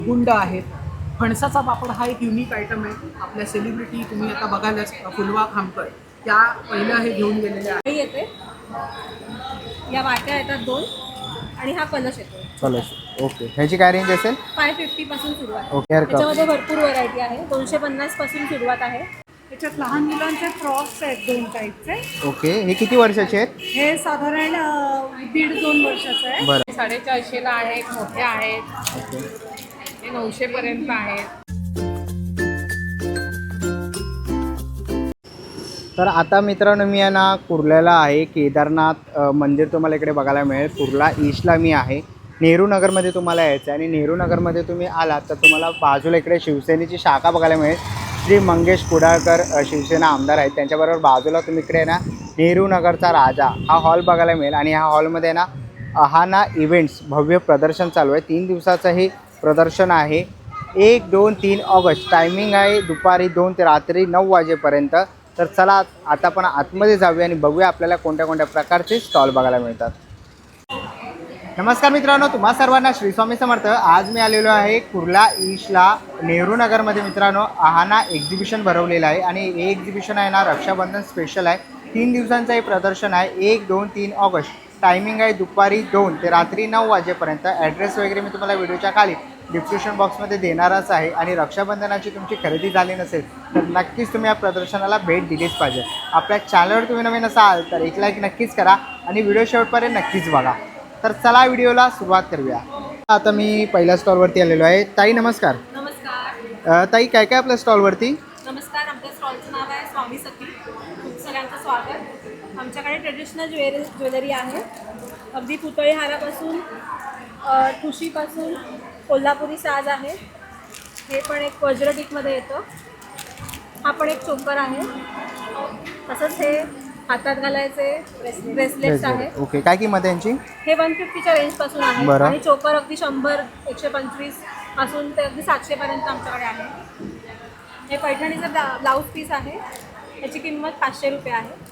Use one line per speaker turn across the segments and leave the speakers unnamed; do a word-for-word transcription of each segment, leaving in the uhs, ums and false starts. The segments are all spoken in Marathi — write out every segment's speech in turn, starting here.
गुंड आहेत. फणसाचा पापड हा एक युनिक आयटम आहे. आपल्या सेलिब्रिटी तुम्ही आता बघायलाच फुलवा खामकर त्या पहिल्या हे घेऊन गेलेल्या
हे येते या वाट्या येतात दोन आणि हा कलश येतो
कलश. ओके, ह्याची काय रेंज असेल?
फाय फिफ्टी पासून सुरुवात.
Okay, hair cup.
त्याच्यामध्ये भरपूर व्हरायटी आहे. दोनशे पन्नास पासून सुरुवात आहे.
त्याच्यात लहान मुलांचे फ्रॉक्स आहेत दोन टाईपचे.
ओके, हे किती वर्षाचे आहेत?
हे साधारण अ, दीड दोन वर्षाचं आहे.
बरं.
साडेचारशेला आहेत, मोठे आहेत,
ओके.
हे नऊशे पर्यंत आहेत.
तर आता मित्रांनो मी आहे ना कुर्ल्याला आहे. केदारनाथ अ, मंदिर तुम्हाला इकडे बघायला मिळेल. कुर्ला ईस्टला मी आहे. नेहरू नगरमध्ये तुम्हाला यायचं आहे आणि नेहरू नगरमध्ये तुम्ही आलात तर तुम्हाला बाजूला इकडे शिवसेनेची शाखा बघायला मिळेल. श्री मंगेश कुडाळकर अ, शिवसेना आमदार आहेत. त्यांच्याबरोबर बाजूला तुम्ही इकडे ना नेहरू नगरचा राजा हा हॉल बघायला मिळेल आणि ह्या हॉलमध्ये ना अहाना इव्हेंट्स भव्य प्रदर्शन चालू आहे. तीन दिवसाचं हे प्रदर्शन आहे. एक दोन तीन ऑगस्ट टायमिंग आहे दुपारी दोन ते रात्री नऊ वाजेपर्यंत. तर चला आता आपण आतमध्ये जाऊया आणि बघूया आपल्याला कोणत्या कोणत्या प्रकारचे स्टॉल बघायला मिळतात. नमस्कार मित्रांनो, तुम्हा सर्वांना श्री स्वामी समर्थ. आज मी आलेलो आहे कुर्ला ईस्टला नेहरू नगरमध्ये. मित्रांनो आहाना एक्झिबिशन भरवलेलं आहे आणि हे एक्झिबिशन आहे ना रक्षाबंधन स्पेशल आहे. तीन दिवसांचं हे प्रदर्शन आहे. एक दोन तीन ऑगस्ट टायमिंग आहे दुपारी दोन ते रात्री नऊ वाजेपर्यंत. ॲड्रेस वगैरे मी तुम्हाला व्हिडिओच्या खाली डिस्क्रिप्शन बॉक्समध्ये देणारच आहे. आणि रक्षाबंधनाची तुमची खरेदी झाली नसेल तर नक्कीच तुम्ही या प्रदर्शनाला भेट दिलीच पाहिजे. आपल्या चॅनलवर तुम्ही नवीन असाल तर एक लाईक नक्कीच करा आणि व्हिडिओ शेवटपर्यंत नक्कीच बघा. तर चला व्हिडिओला सुरुवात करूया. आता मी पहिल्या स्टॉलवरती आलेलो आहे. ताई नमस्कार.
नमस्कार.
अ, ताई काय काय आपल्या स्टॉलवरती?
नमस्कार. आमच्या स्टॉलचं नाव आहे स्वामी सखी. खूप सगळ्यांचं स्वागत. आमच्याकडे ट्रेडिशनल ज्वेलरी ज्वेलरी आहे. अगदी पुतळी हारापासून अ, ठुशीपासून कोल्हापुरी साज आहे. हे पण एक वज्रटीकमध्ये येतं. हा पण एक चोकर आहे. तसंच हे हातात घालायचे ब्रेसलेट्स आहे.
ओके, काय किंमत आहे यांची?
हे वन फिफ्टीच्या रेंजपासून आहे
बरं.
आणि चोकर अगदी शंभर एकशे पंचवीस पासून ते अगदी सातशेपर्यंत आमच्याकडे आहे. हे पैठणीचं ब्ला ब्लाऊज पीस आहे. याची किंमत पाचशे रुपये आहे.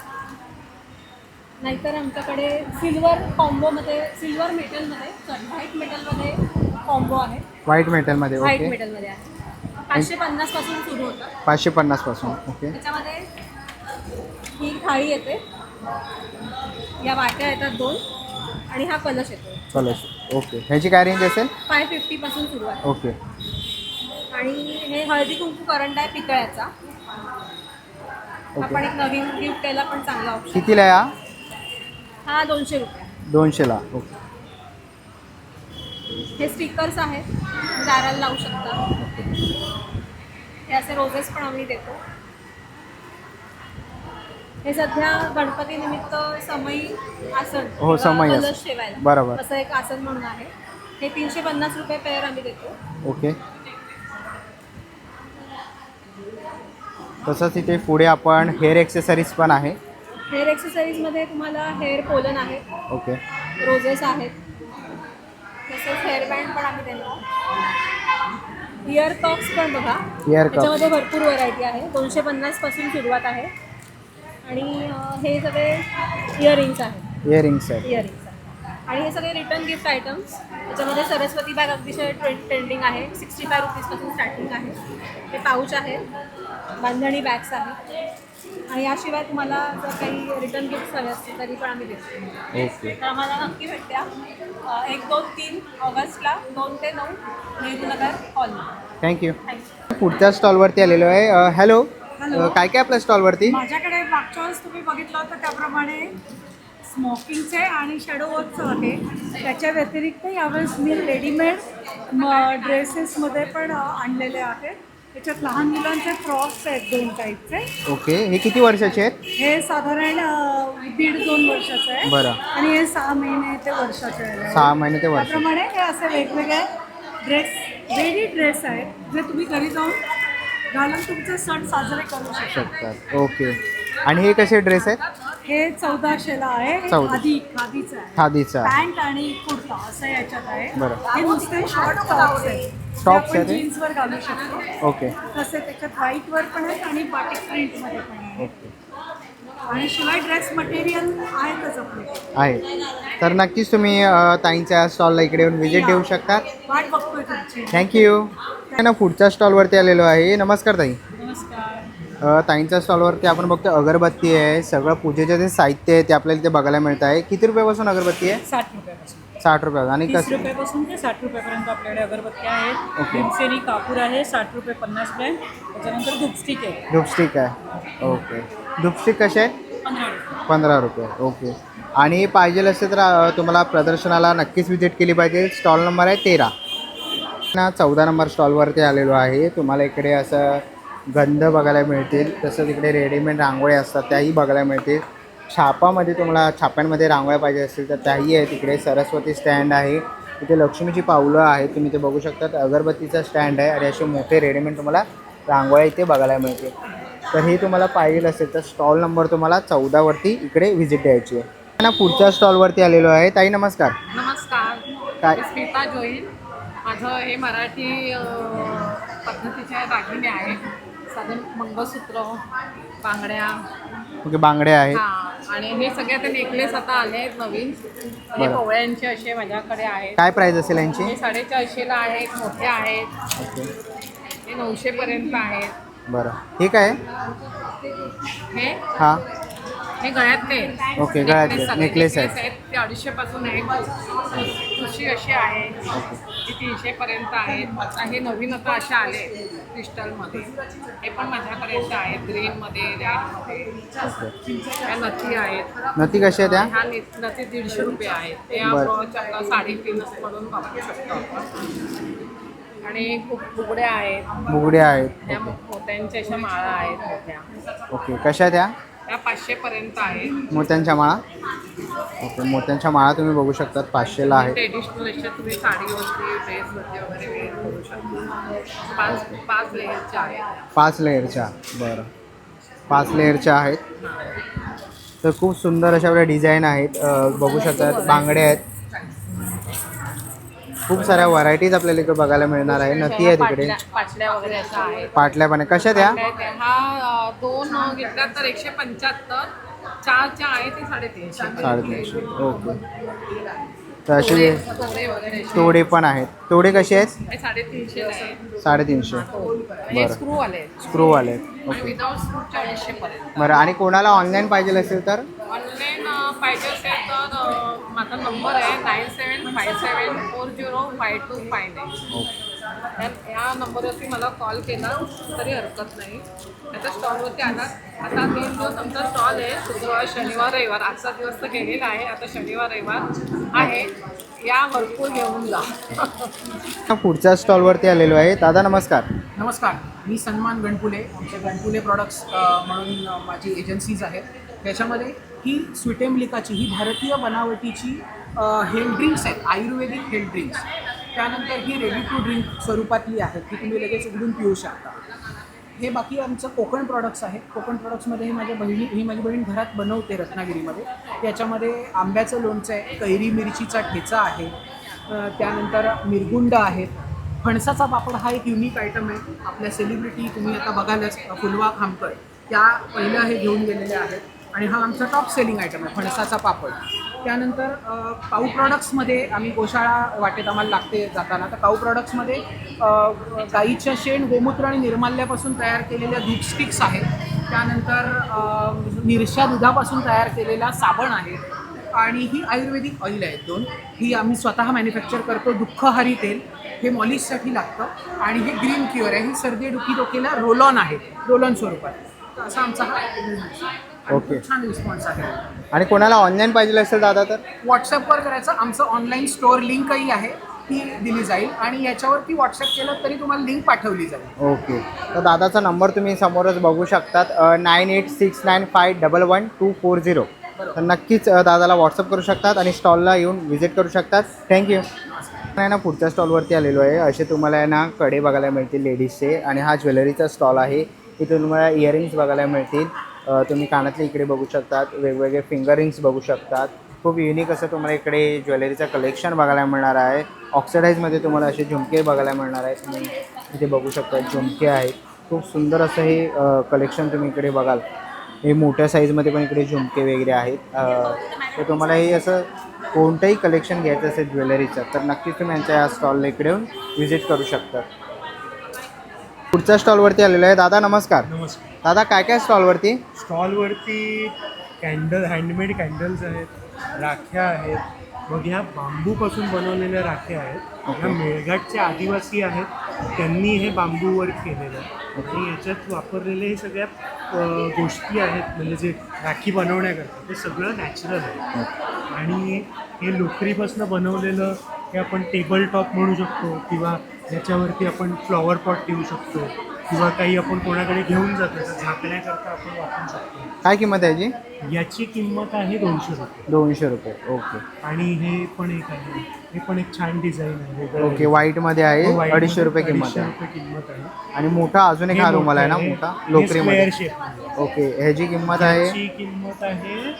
नाहीतर आमच्याकडे सिल्वर कॉम्बोमध्ये सिल्वर मेटलमध्ये सॉरी व्हाईट मेटलमध्ये कॉम्बो आहे.
व्हाईट मेटलमध्ये.
व्हाईट
ओके,
मेटलमध्ये आहे. पाचशे पन्नास पासून सुरू होतं.
पाचशे पन्नास पासून. ओके,
त्याच्यामध्ये ही थाळी येते. या वाट्या येतात दोन आणि हा कलश येतो.
कलश. ओके, ह्याची काय रेंज असेल?
फाय फिफ्टी पासून सुरुवात.
ओके.
आणि हे हळदी कुंकू करंट आहे पितळ्याचा. हा पण एक नवीन गिफ्ट द्यायला पण चांगला ऑप्शन.
कितीला आहे हा?
हा दोनशे रुपये.
दोनशेला. ओके.
हे स्टिकर्स आहेत. दाराला लावू शकता. हे असे रोजेस पण आम्ही देतो. हे सध्या गणपती निमित्त समई आसन
हो, समई आसन.
कलश ठेवायला
बरोबर.
असं एक आसन म्हणून आहे. हे तीनशे पन्नास रुपये पेअर आम्ही देतो.
ओके. तसंच इथे पुढे आपण हेअर एक्सेसरीज पण आहे.
हेअर एक्सेसरीजमध्ये तुम्हाला हेअर पोलन आहे.
ओके.
रोजेस आहेत. तसंच हेअरबँड पण आम्ही देतो. इयर कप्स पण बघा.
Ear cup.
त्याच्यामध्ये भरपूर व्हरायटी आहे. दोनशे पन्नास पासून सुरुवात आहे. आणि अं, हे सगळे इयरिंग्स आहेत.
इयरिंग्स आहेत.
इयरिंग्स आहेत. आणि हे सगळे रिटर्न गिफ्ट आयटम्स. त्याच्यामध्ये सरस्वती बॅग अतिशय ट्रेंड ट्रेंडिंग आहे. सिक्स्टी फाय रुपीजपासून स्टार्टिंग आहे. हे पाऊच आहेत. बांधणी बॅग्स आहेत. आणि याशिवाय तुम्हाला जर काही रिटर्न गिफ्ट हवे असतील तरी पण आम्ही देतो.
ओके.
तर आम्हाला नक्की भेटत्या अ, एक दोन तीन ऑगस्टला दोन ते नऊ Nehru Nagar hall.
Thank you.
Thank you.
पुढच्या स्टॉलवरती आलेलो आहे. अ, हॅलो.
हॅलो.
अ, काय काय आपल्या स्टॉलवरती?
माझ्याकडे मागच्या वेळेस तुम्ही बघितलं होतं त्याप्रमाणे स्मोकिंगचे आणि शॅडो वर्कचं आहे. त्याच्या व्यतिरिक्त यावेळेस मी रेडीमेड म ड्रेसेसमध्ये पण अ, आणलेले आहेत. त्याच्यात लहान मुलांचे फ्रॉक्स आहेत दोन टाईपचे.
ओके, हे किती वर्षाचे आहेत?
हे साधारण अ, दीड दोन वर्षाचं आहे.
बरं.
आणि हे सहा महिने ते वर्षाचे आहे.
सहा महिने ते वर्ष.
त्याप्रमाणे हे असे वेगवेगळे ड्रेस रेडी ड्रेस आहेत जे तुम्ही घरी जाऊन घालून तुमचे सण साजरे करू शकता.
शकतात. ओके. आणि हे कसे ड्रेस आहेत?
हे चौदाशेला आहे. हे
चौदा.
खादी खादीचं आहे.
खादीचा.
पॅन्ट आणि कुर्ता असं याच्यात आहे.
बरं.
हे नुसते शॉर्ट टॉप्स आहेत.
टॉप्स
आपण
आहेत हे?
जीन्सवर घालू शकतो.
ओके.
तसे त्याच्यात व्हाईटवर पण आहेत आणि बाटिक प्रिंटमध्ये पण आहे.
ओके.
आणि शिवाय ड्रेस मटेरियल आहेतच आपले.
आहे. तर नक्कीच तुम्ही अ, ताईंच्या स्टॉलला इकडे येऊन व्हिजिट देऊ शकता.
वाट बघतोय तुमची.
थँक्यू. ना पुढच्या स्टॉलवरती आलेलो आहे. नमस्कार ताई.
नमस्कार.
अ, ताईंच्या स्टॉलवरती आपण बघतो अगरबत्ती आहे, सगळं पूजेचे जे साहित्य आहे ते आपल्याला इथे बघायला मिळत आहे. किती रुपयापासून अगरबत्ती आहे?
साठ रुपयापासून
साठ रुपये. आणि
तीस
कसं?
रुपयापासून ते साठ रुपयापर्यंत आपल्याकडे अगरबत्त्या आहेत.
ओके.
भीमसेनी कापूर आहे साठ रुपये पन्नास ग्रॅम. त्याच्यानंतर धूपस्टिक आहे
धूपस्टिक आहे. ओके. धूपस्टिक कसे आहे?
पंधरा रुपये.
पंधरा रुपये. ओके. आणि पाहिजे असेल तर अ, तुम्हाला प्रदर्शनाला नक्कीच व्हिजिट केली पाहिजे. स्टॉल नंबर आहे तेरा. ना चौदा नंबर स्टॉलवरती आलेलो आहे. तुम्हाला इकडे असं गंध बघायला मिळतील, तसंच इकडे रेडीमेड रांगोळ्या असतात त्याही बघायला मिळतील. छापामध्ये तुम्हाला छाप्यांमध्ये रांगोळ्या पाहिजे असतील तर त्याही आहे. तिकडे सरस्वती स्टँड आहे, इथे लक्ष्मीची पावलं आहेत तुम्ही ते बघू शकतात. अगरबत्तीचा स्टँड आहे आणि असे मोठे रेडीमेड तुम्हाला रांगोळ्या इथे बघायला मिळतील. तर हे तुम्हाला पाहिजे असेल तर स्टॉल नंबर तुम्हाला चौदावरती इकडे व्हिजिट द्यायची आहे. ना पुढच्या स्टॉलवरती आलेलो आहे. ताई नमस्कार.
नमस्कार.
काय?
मी स्मिता जोईन. माझं हे मराठी अ, पद्धतीचे दागिने आहे. साधन मंगळसूत्र, बांगड्या.
ओके. बांगड्या आहेत.
हां, आणि हे सगळे आता नेकलेस आता आले आहेत नवीन. हे
बरं.
पोवळ्यांचे असे माझ्याकडे आहेत.
काय प्राईस असेल यांची?
हे साडेचारशेला आहेत, मोठे आहेत.
ओके.
हे नऊशेपर्यंत आहेत.
बरं. हे काय आहे?
हे
हां.
हे गळ्यातले आहेत.
ओके, गळ्यातले.
Necklace सगळे
Necklace आहेत.
necklace आहेत. ते अडीचशेपासून आहेत. तुशी अशी आहे, ती तीनशेपर्यंत आहेत. आता हे नवीन आता असे आले क्रिस्टलमध्ये. हे पण माझ्यापर्यंत आहेत, ग्रीनमध्ये, रेडमध्ये. ह्या नथी आहेत.
नथी कशी आहे त्या?
ह्या नि- नथी दीडशे रुपये आहेत. ते
बरं.
आपण चक्का साडेतीन म्हणून वापरू शकतो आपण. आणि खूप बुगड्या आहेत.
बुगड्या आहेत.
ह्या मोत्यांच्या अशा माळा आहेत मोठ्या.
ओके. कशा आहे त्या?
त्या पाचशेपर्यंत आहेत.
मोत्यांच्या माळा. ओके. मोत्यांच्या माळा तुम्ही बघू शकतात पाचशेला आहेत.
ट्रेडिशनल अशा तुम्ही साडीवरती ड्रेसवरती वगैरे वेअर करू शकता. पाच पाच लेअरच्या आहेत.
पाच लेअरच्या. बरं. पाच लेअरच्या आहेत. तर खूप सुंदर अशा आपल्या डिझाईन आहेत. अ, बघू शकतात. बांगड्या आहेत. खूप साऱ्या व्हरायटीज आपल्याला इकडे बघायला मिळणार आहे. नथी आहे तिकडे.
पाटल्या पाटल्या वगैरे अशा आहेत.
पाटल्या पण आहे. कशा त्या?
पाटल्या त्या- हा अ, दोन अ, घेतल्या तर एकशे पंच्याहत्तर. चारच्या आहे ते साडेतीनशे.
साडेतीनशे. ओके. तर असे
तोडे वगैरे असे.
तोडे पण आहेत. तोडे कसे आहेत?
हे साडेतीनशेला आहे.
साडेतीनशे.
हे
बरं.
स्क्रू आले
स्क्रूवाले.
आणि
ओके.
विदाऊट स्क्रूच्या अडीचशेपर्यंत.
बरं. आणि कोणाला ऑनलाईन पाहिजे असेल तर?
ऑनलाईन पाहिजे असेल तर अ, माझा नंबर आहे nine seven five seven four zero five two five nine. ह्या ह्या नंबरवरती मला कॉल केला तरी हरकत नाही. आता स्टॉलवरती आला. आता तीन दिवस आमचा स्टॉल आहे, शुक्रवार शनिवार रविवार. आजचा दिवस तर गेलेला आहे, आता शनिवार रविवार आहे. या भरपूर घेऊन जा.
पुढच्या स्टॉलवरती आलेलो आहे. दादा नमस्कार.
नमस्कार. मी सन्मान गणपुले. आमचे गणपुले प्रॉडक्ट्स अ, म्हणून अ, माझी एजन्सीज आहेत. त्याच्यामध्ये ही स्वीटेमलिकाची ही भारतीय बनावटीची हेल्थ ड्रिंक्स आहेत, आयुर्वेदिक हेल्थ ड्रिंक्स. त्यानंतर ही रेडी टू ड्रिंक स्वरूपातली आहेत, की तुम्ही लगेच उघडून पिऊ शकता. हे बाकी आमचं कोकण प्रॉडक्ट्स आहेत. कोकण प्रॉडक्ट्समध्ये ही माझ्या बहिणी ही माझी बहीण घरात बनवते रत्नागिरीमध्ये. याच्यामध्ये आंब्याचं लोणचं आहे, कैरी मिरचीचा ठेचा आहे, अ, त्यानंतर मिरगुंड आहेत. फणसाचा पापड हा एक युनिक आयटम आहे. आपल्या सेलिब्रिटी तुम्ही आता बघालच, फुलवा खामकर त्या पहिल्या हे घेऊन गेलेल्या आहेत आणि हा आमचा टॉप सेलिंग आयटम आहे फणसाचा पापड. त्यानंतर अ, काऊ प्रॉडक्ट्समध्ये आम्ही गोशाळा वाटेत आम्हाला लागते जाताना, तर काऊ प्रॉडक्ट्समध्ये अ, गाईच्या शेण, गोमूत्र आणि निर्माल्यापासून तयार केलेल्या दूध स्टिक्स आहेत. त्यानंतर अ, निरशा दुधापासून तयार केलेला साबण आहे आणि ही आयुर्वेदिक ऑइल आहेत दोन. ही आम्ही स्वतः मॅन्युफॅक्चर करतो. दुःखहारी तेल हे मॉलिशसाठी लागतं आणि हे ग्रीन क्युअर आहे. ही सर्दी डुकी डोकेला रोल ऑन आहे, रोल ऑन स्वरूपात. तर असा आमचा हा बिझनेस आहे. आणि
ओके.
खूप छान रिस्पॉन्स आहे.
आणि कोणाला ऑनलाईन पाहिजे असेल दादा तर?
व्हॉट्सअपवर करायचं. आमचं ऑनलाईन स्टोअर लिंकही आहे, ती दिली जाईल आणि याच्यावरती व्हॉट्सअप केलं तरी तुम्हाला लिंक पाठवली जाईल.
ओके. तर दादाचा नंबर तुम्ही समोरच बघू शकतात, nine eight six nine five double one two four zero. तर नक्कीच अ, दादाला व्हॉट्सअप करू शकतात आणि स्टॉलला येऊन व्हिजिट करू शकतात. थँक्यू. आहे ना पुढच्या स्टॉलवरती आलेलो आहे. असे तुम्हाला आहे ना कडे बघायला मिळतील लेडीजचे आणि हा ज्वेलरीचा स्टॉल आहे. इथे तुम्हाला इयरिंग्स बघायला मिळतील. अ, तुम्ही कानातले इकडे बघू शकतात, वेगवेगळे फिंगर रिंग्स बघू शकतात. खूप युनिक असं तुम्हाला इकडे ज्वेलरीचं कलेक्शन बघायला मिळणार आहे. ऑक्सिडाईजमध्ये तुम्हाला असे झुमके बघायला मिळणार आहेत. तुम्ही इथे बघू शकता झुमके आहेत. खूप सुंदर असं हे कलेक्शन तुम्ही इकडे बघाल. हे मोठ्या साईजमध्ये पण इकडे झुमके वगैरे आहेत. अ, तर तुम्हाला हे असं कोणतंही कलेक्शन घ्यायचं असेल ज्वेलरीचं तर नक्कीच तुम्ही यांच्या या स्टॉलला इकडे येऊन व्हिजिट करू शकता. पुढच्या स्टॉलवरती आलेलो आहे. दादा नमस्कार.
नमस्कार.
दादा काय काय स्टॉलवरती?
स्टॉलवरती कॅन्डल, हँडमेड कॅन्डल्स आहेत, राख्या आहेत. मग ह्या बांबूपासून बनवलेल्या राख्या आहेत. ह्या मेळघाटचे आदिवासी आहेत, त्यांनी हे बांबू वर्क केलेलं आहे आणि याच्यात वापरलेले हे सगळ्या अ, गोष्टी आहेत, म्हणजे जे राखी बनवण्याकरता ते सगळं नॅचरल आहे. आणि हे लोकरीपासून बनवलेलं हे आपण टेबल टॉप म्हणू शकतो किंवा याच्यावरती आपण फ्लॉवर पॉट ठेवू शकतो किंवा काही आपण कोणाकडे घेऊन जातो तर झाकण्याकरता आपण वापरू शकतो.
काय किंमत आहे याची?
याची किंमत आहे दोनशे रुपये.
दोनशे रुपये. ओके
आणि हे पण एक आहे, हे पण एक छान डिझाईन आहे वेगळं
ओके
आहे.
व्हाईटमध्ये आहे.
हो, white
अडीचशे रुपये
मध्ये
किंमत
अडीचशे
आहे.
रुपये किंमत आहे.
आणि मोठा अजून एक
हे
हा रुमाल आहे ना
मोठं
मोठा
हे
लोकरीमध्ये.
square shape मध्ये.
ओके ह्याची किंमत आहे.
याची किंमत आहे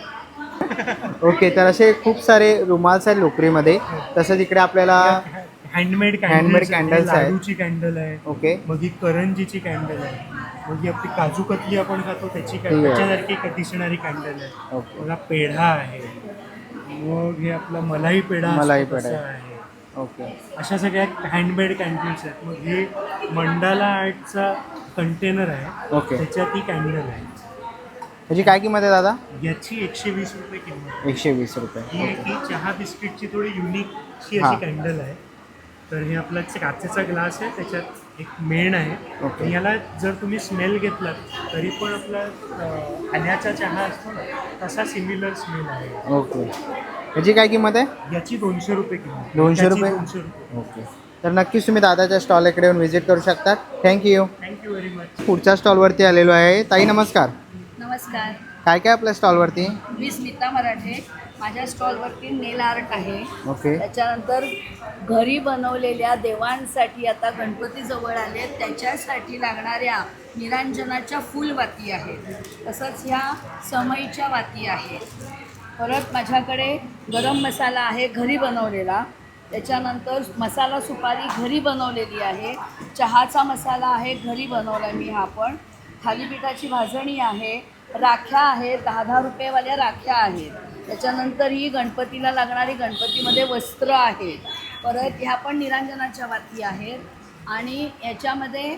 ओके तर असे खूप सारे रुमाल्स आहेत लोकरीमध्ये. तसंच इकडे आपल्याला
हँडमेड
Handmade candles आहेत.
लाडूची कॅन्डल आहे.
ओके
मग ही करंजीची कॅन्डल आहे. मग ही आपली काजू कतली आपण खातो त्याची
ठीक
कॅन्डल,
आहे.
त्याच्यासारखी एक दिसणारी कॅन्डल आहे.
ओके
बघा पेढा आहे. मग हे आपला मलाई पेढा असतो
मलाई
तसा
पेढा
आहे.
ओके
अशा सगळ्या हँडमेड कॅन्डल्स आहेत. मग हे मंडाला आर्टचा कंटेनर आहे,
ओके
त्याच्यात ही कॅन्डल आहे.
ह्याची काय किंमत आहे दादा?
याची एकशे वीस रुपये किंमत आहे.
एकशे वीस रुपये.
ही एक ही चहा बिस्किटची थोडी युनिकशी
हां.
अशी कॅन्डल आहे. तर हे आपला काचेचा ग्लास आहे, त्याच्यात एक मेण आहे.
ओके.
आणि याला जर तुम्ही स्मेल घेतलात तरी पण आपला अं, आल्याचा चहा असतो ना तसा सिमिलर स्मेल आहे.
ओके ह्याची काय किंमत आहे?
याची दोनशे रुपये किंमत.
दोनशे
त्याची
रुपये?
दोनशे रुपये.
ओके तर नक्कीच तुम्ही दादाच्या स्टॉल इकडे येऊन व्हिजिट करू शकता. थँक्यू.
Thank you very much.
पुढच्या स्टॉलवरती आलेलो आहे. ताई नमस्कार.
नमस्कार,
काय काय आपल्या स्टॉलवरती?
मी स्मिता मराठे. माझ्या स्टॉलवरती नेल आर्ट आहे.
ओके
त्याच्यानंतर घरी बनवलेल्या देवांसाठी आता गणपती जवळ आले त्याच्यासाठी लागणाऱ्या निरांजनाच्या फुलवाती आहेत. तसंच ह्या समईच्या वाती आहेत. परत माझ्याकडे गरम मसाला आहे घरी बनवलेला. त्याच्यानंतर मसाला सुपारी घरी बनवलेली आहे. चहाचा मसाला आहे घरी बनवला मी हा पण. थालीपीठाची भाजणी आहे. राख्या आहेत, दहा दहा रुपयेवाल्या राख्या आहेत. त्याच्यानंतर ही गणपतीला लागणारी गणपतीमध्ये वस्त्र आहेत. परत ह्या पण निरांजनाच्या वाती आहेत. आणि याच्यामध्ये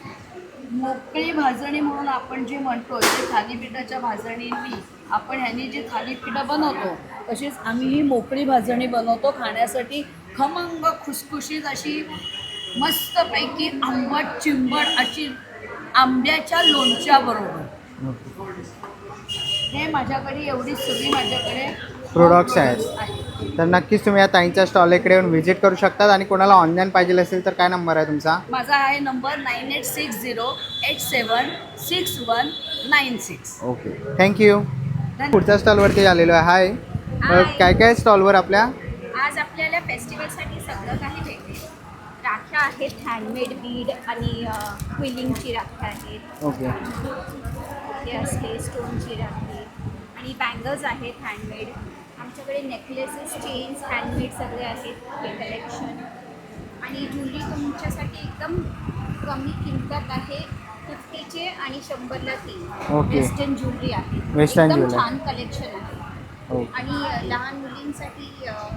मोकळी भाजणी म्हणून आपण जे म्हणतो ते थालीपीठाच्या भाजणींनी आपण ह्यांनी जी थालीपीठं बनवतो तशीच आम्ही ही मोकळी भाजणी बनवतो खाण्यासाठी. खमंग खुसखुशीत अशी मस्तपैकी आंबट चिंबट अशी आंब्याच्या लोणच्याबरोबर. हे माझ्याकडे एवढी सगळी माझ्याकडे
प्रोडक्ट्स आहेत. तर नक्कीच तुम्ही या ताईंच्या स्टॉल इकडे येऊन व्हिजिट करू शकतात. आणि कोणाला ऑनलाईन पाहिजे असेल तर काय नंबर आहे तुमचा?
माझा आहे number nine eight six zero eight seven six one nine six.
Okay thank you. पुढच्या स्टॉलवरती आलेलो आहे. हाय अ, काय काय स्टॉलवर आपल्या?
आज आपल्याला फेस्टिवलसाठी सगळं काही भेटेल. राख्या आहेत, हँडमेड बीड आणि क्विलिंगची राख्या आहेत.
ओके
हे असते स्टोनची राखी आणि बँगल्स आहेत हँडमेड. आमच्याकडे नेकलेसेस, चेन्स हँडमेड सगळे आहेत हे कलेक्शन. आणि ज्वेलरी तुमच्यासाठी एकदम कमी किंमतात आहे. फिफ्टीचे आणि शंभरला तीन
ओके.
वेस्टर्न ज्वेलरी आहे.
वेस्टर्न
एकदम
ज्वेलरी.
छान कलेक्शन आहे.
ओके
आणि अ, लहान मुलींसाठी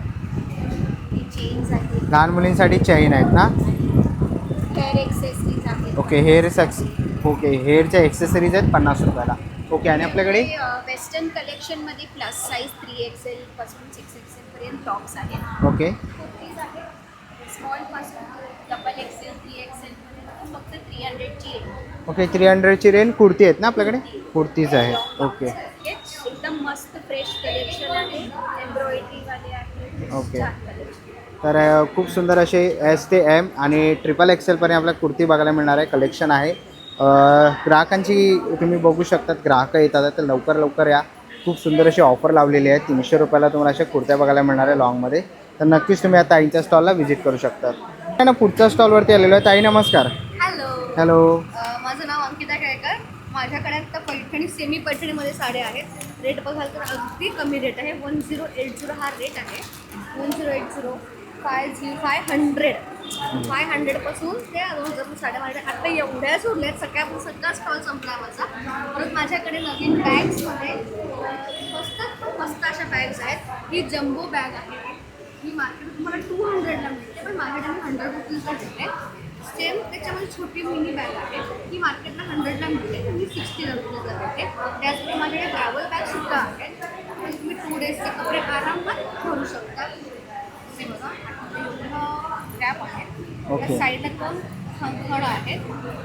चेन्स आहेत,
लहान मुलींसाठी चैन आहेत ना?
हेअर एक्सेसरीज आहेत.
ओके हेअर सक्स ओके हेअरच्या एक्सेसरीज आहेत पन्नास रुपयाला. ओके आणि आपल्याकडे
वेस्टर्न कलेक्शनमध्ये प्लस साईज थ्री एक्सेल पासून सिक्स एक्सेल पर्यंत टॉप्स आहेत.
ओके
कुर्तीज आहेत स्मॉल पासून डबल एक्सेल थ्री एक्सेल पर्यंत फक्त थ्री हंड्रेडची आहे.
ओके थ्री हंड्रेडची रेंज कुर्ती आहेत ना आपल्याकडे? कुर्तीज आहेत. ओके
एकदम मस्त फ्रेश कलेक्शन आहे. एम्ब्रॉयडरीवाले आहेत.
ओके.
छान collection.
तर अ, खूप सुंदर असे एस ते एम आणि ट्रिपल एक्सेलपर्यंत आपल्याला कुर्ती बघायला मिळणार आहे. कलेक्शन आहे. अ, ग्राहकांची तुम्ही बघू शकतात ग्राहक येतात तर लवकर लवकर या. खूप सुंदर अशी ऑफर लावलेली आहे. तीनशे रुपयाला तुम्हाला अशा कुर्त्या बघायला मिळणार आहे लॉंगमध्ये. तर नक्कीच तुम्ही या ताईंच्या स्टॉलला व्हिजिट करू शकता. आहे ना पुढच्या स्टॉलवरती आलेलो आहे. ताई नमस्कार.
हॅलो,
हॅलो
अ, माझं नाव अंकिता केळकर. माझ्याकडे आता पैठणी सेमी पैठणीमध्ये साड्या आहेत. रेट बघाल तर अगदी कमी रेट आहे. वन झिरो एट झिरो हा रेट आहे. One zero eight zero five zero five hundred five हंड्रेडपासून ते दोन हजार साड्या माझ्या आता एवढ्याच उरल्यात. सगळ्या सगळा स्टॉल संपला माझा. परत माझ्याकडे नवीन बॅग्समध्ये मस्त मस्त अशा बॅग्स आहेत. ही जम्बो बॅग आहे. ही मार्केट तुम्हाला टू हंड्रेडला मिळते, पण माझ्याकडे हंड्रेड रुपीजला मिळते. सेम त्याच्यामध्ये छोटी मिनी बॅग आहे. ही मार्केटला हंड्रेडला मिळते, तर मी सिक्स्टी रुपीजला मिळते. त्याचबरोबर माझ्याकडे ट्रॅव्हल बॅगसुद्धा आहेत. पण तुम्ही टू डेजचे कपडे आरामात भरू शकता. हे बघा कॅप आहे.
ओके.
त्या साईडला दोन खण खण आहेत.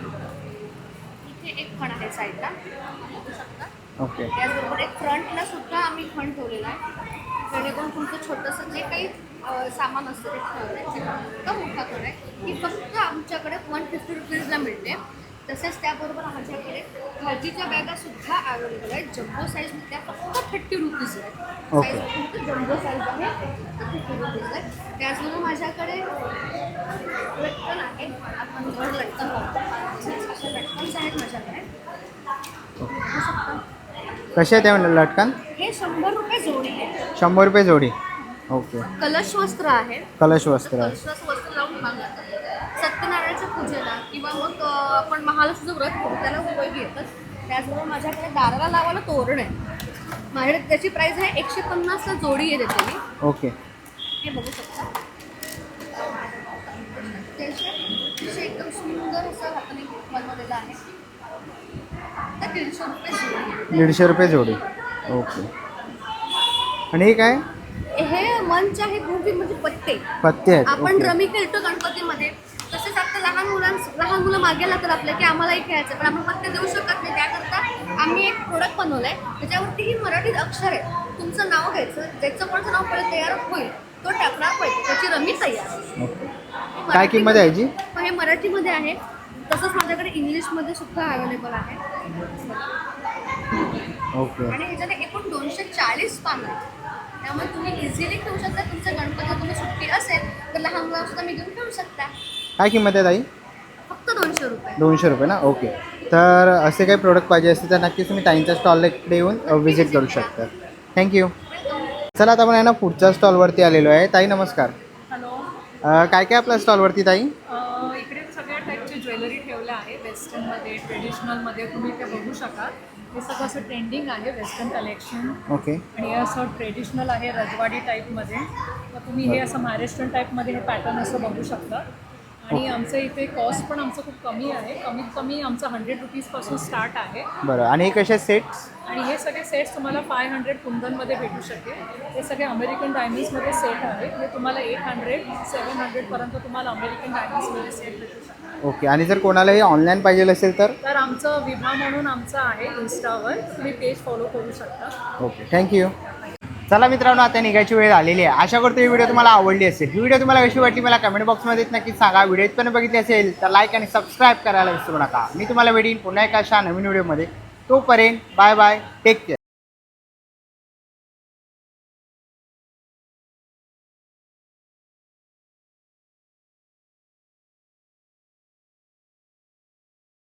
इथे एक खण आहे साईडला बघू शकता.
ओके.
त्याचबरोबर एक फ्रंटला सुद्धा आम्ही खण ठेवलेला आहे, जेणेकरून तुमचं छोटंसं जे काही अ, सामान असतं ते ठेवलं इतका मोठा खण आहे. ही फक्त आमच्याकडे वन फिफ्टी रुपीजला मिळते. तसेच त्याबरोबर आमच्याकडे भाजीच्या बॅगा सुद्धा अवेलेबल आहेत. जम्बो साईज त्या फक्त थर्टी रुपीज आहेत.
ओके.
साईज फक्त जम्बो साईज आहे, थर्टी रुपीज आहे. त्याचबरोबर माझ्याकडे लटकन आहे. आपण घर लटकन वापरतो, अशा लटकन्स आहेत माझ्याकडे. बघू शकता.
कसे आहे ते लटकन?
हे शंभर रुपये जोडी आहे.
शंभर रुपये जोडी. ओके.
कलश वस्त्र आहे.
कलश वस्त्र आहे.
कलश वस्त्र लावून बांधतात. सत्यनारायणच्या पूजेला किंवा मग अ, आपण महालक्ष्मीचं व्रत करू त्याला उपयोगी येतात. त्याचबरोबर माझ्याकडे दाराला लावायला तोरण आहे. माझ्याकडे त्याची प्राईस आहे एकशे पन्नासला जोडी आहे त्याची.
ओके.
हे बघू शकता. त्याचे अतिशय एकदम सुंदर असं हाताने बनवलेलं आहे. तर दीडशे रुपये जोडी आहे.
दीडशे रुपये जोडी. ओके. आणि हे काय?
हे मंच आहे गोबी म्हणजे पत्ते.
पत्ते आहेत.
आपण
ओके.
रमी खेळतो गणपतीमध्ये, तसेच आता लहान मुलांस लहान मुलं मागे लागतात आपल्या की आम्हालाही खेळायचं, पण आपण पत्ते देऊ शकत नाही. त्याकरता आम्ही एक प्रोडक्ट बनवलंय, त्याच्यावरती ही मराठीत अक्षर आहे. तुमचं नाव घ्यायचं, ज्याचं कोणाचं नाव पहिलं तयार होईल तो टाकणार पाहिजे, त्याची रमी तयार.
ओके. काय किंमत आहे याची?
मग हे मराठीमध्ये आहे. तसंच माझ्याकडे इंग्लिशमध्ये सुद्धा अवेलेबल आहे.
ओके.
आणि ह्याच्यात एकूण दोनशे चाळीस पानं आहेत. त्यामुळे तुम्ही इझिली ठेवू शकता. तुमच्या गणपती तुम्ही सुट्टी असेल तर लहान मुलांना सुद्धा मी घेऊन ठेवू शकता.
काय किंमत आहे ताई?
फक्त दोनशे रुपये.
दोनशे रुपये ना. ओके. तर असे काही प्रोडक्ट पाहिजे असतील तर नक्कीच तुम्ही ताईंच्या स्टॉलला इकडे येऊन व्हिजिट करू शकता. थँक्यू. चला आता आपण आहे ना पुढच्या स्टॉलवरती आलेलो आहे. ताई नमस्कार.
हॅलो.
अ, काय काय आपल्या स्टॉलवरती ताई?
इकडे सगळ्या टाईपची ज्वेलरी ठेवल्या आहे. वेस्टर्नमध्ये, ट्रेडिशनलमध्ये तुम्ही ते बघू शकाल. हे सगळं असं ट्रेंडिंग आहे वेस्टर्न कलेक्शन.
ओके.
आणि हे असं ट्रेडिशनल आहे रजवाडी टाईपमध्ये. तर तुम्ही हे असं महाराष्ट्रीयन टाईपमध्ये हे पॅटर्न असं बघू शकता. आणि आमचं इथे कॉस्ट पण आमचं खूप कमी आहे. कमीत कमी आमचं हंड्रेड रुपीजपासून स्टार्ट आहे.
बरं. आणि हे कसे सेट्स?
आणि हे सगळे सेट्स तुम्हाला फाय हंड्रेड कुंदनमध्ये भेटू शकेल. हे सगळे अमेरिकन डायमंड्समध्ये सेट आहेत. हे तुम्हाला एट हंड्रेड सेवन हंड्रेडपर्यंत तुम्हाला अमेरिकन डायमंड्समध्ये सेट भेटू शकतो.
ओके. आणि जर कोणाला हे ऑनलाईन पाहिजे असेल तर?
तर आमचं विभा म्हणून आमचं आहे इन्स्टावर, तुम्ही पेज फॉलो करू शकता.
ओके. थँक्यू. चला मित्रांनो, आता निघायची वेळ आलेली आहे. आशा करतो ही व्हिडिओ तुम्हाला आवडली असेल. ही व्हिडिओ तुम्हाला कशी वाटली मला कमेंट बॉक्समध्ये नक्कीच सांगा. व्हिडिओ इथपर्यंत बघितली असेल तर लाईक आणि सबस्क्राईब करायला विसरू नका. मी तुम्हाला भेटीन पुन्हा एका अशा नवीन व्हिडिओमध्ये. तोपर्यंत बाय बाय. Take care.